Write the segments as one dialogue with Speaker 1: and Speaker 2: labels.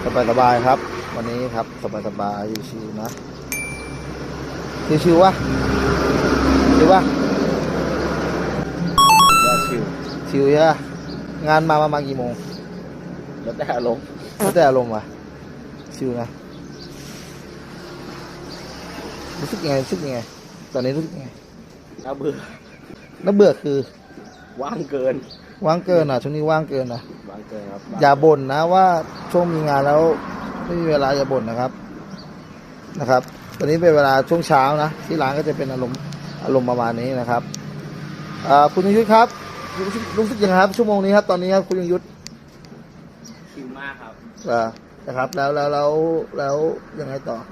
Speaker 1: สบายครับวันนี้ครับสบายชิวๆนะชิวๆวะชิววะ
Speaker 2: ว่าชิว
Speaker 1: ชิวใช่ปะงานมากี่โมง
Speaker 2: แล้วแต่อารมณ์
Speaker 1: แล้วแต่อารมณ์ว่ะชิวนะรู้สึกยังไงตอนนี้รู้สึกยังไง
Speaker 2: น่าเบื่อ
Speaker 1: น่าเบื่อคือ
Speaker 2: ว่างเกิน
Speaker 1: ว่างเกินอ่ะช่วงนี้ว่างเกินอ่ะ
Speaker 2: ว่างเกินครับ
Speaker 1: อย่าบ่นนะว่าช่วงมีงานแล้วไม่มีเวลาอย่าบ่นนะครับตอนนี้เป็นเวลาช่วงเช้านะที่ร้านก็จะเป็นอารมณ์ประมาณนี้นะครับคุณยงยุทธครับรู้สึกยังไงครับชั่วโมงนี้ครับตอนนี้ครับคุณยงยุทธ
Speaker 2: ชิวมากครับ
Speaker 1: นะครับแล้วยังไงต่อ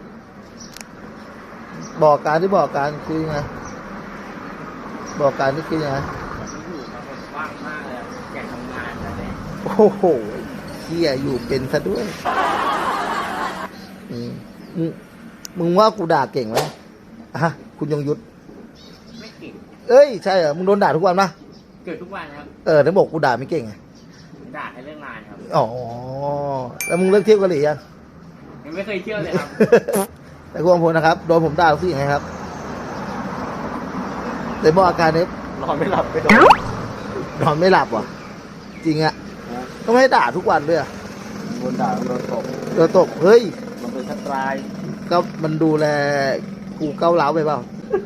Speaker 1: บอกการคือยังไงบอกการนี่คือยังไง
Speaker 2: อยู่ครับผมว่างมากเลยอยากทำงานแต่เนี่ย
Speaker 1: โอ้โหเฮียอยู่เป็นซะด้วยอืมมึงว่ากูด่าเก่งไหมฮะคุณยงยุทธ
Speaker 2: ไม่เก่ง
Speaker 1: เอ้ยใช่เหรอมึงโดนด่าทุกวันปะ
Speaker 2: เกิดทุกวันครับ
Speaker 1: ถึงบอกกูด่าไม่เก่งไง
Speaker 2: ด่าแค่เรื่องงานครับ
Speaker 1: อ๋อแล้วมึงเลิกเที่ยวเกาหลียัง
Speaker 2: ยังไม่เคยเที่ยวเลยครับ
Speaker 1: แต่คุณอมพลนะครับโดนผมด่ารู้สึกยังไงครับแต่บอกอาการนี้
Speaker 2: นอนไม่หลับไปโดน
Speaker 1: นอนไม่หลับว่ะจริงอะก็ไม่ให้ด่าทุกวันด้วยอะ
Speaker 2: โดนด่าโดนตบ
Speaker 1: โดนตกเฮ้ย
Speaker 2: มันเป็นสไตล์
Speaker 1: ก็มันดูแลกูเก้าวร้าวไปเปล่า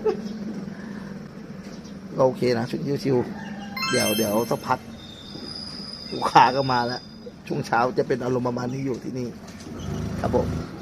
Speaker 1: ก็โอเคนะชุดชิวๆเดี๋ยวสักพักลูกค้าก็มาแล้วช่วงเช้าจะเป็นอารมณ์ประมาณนี้อยู่ที่นี่ครับผม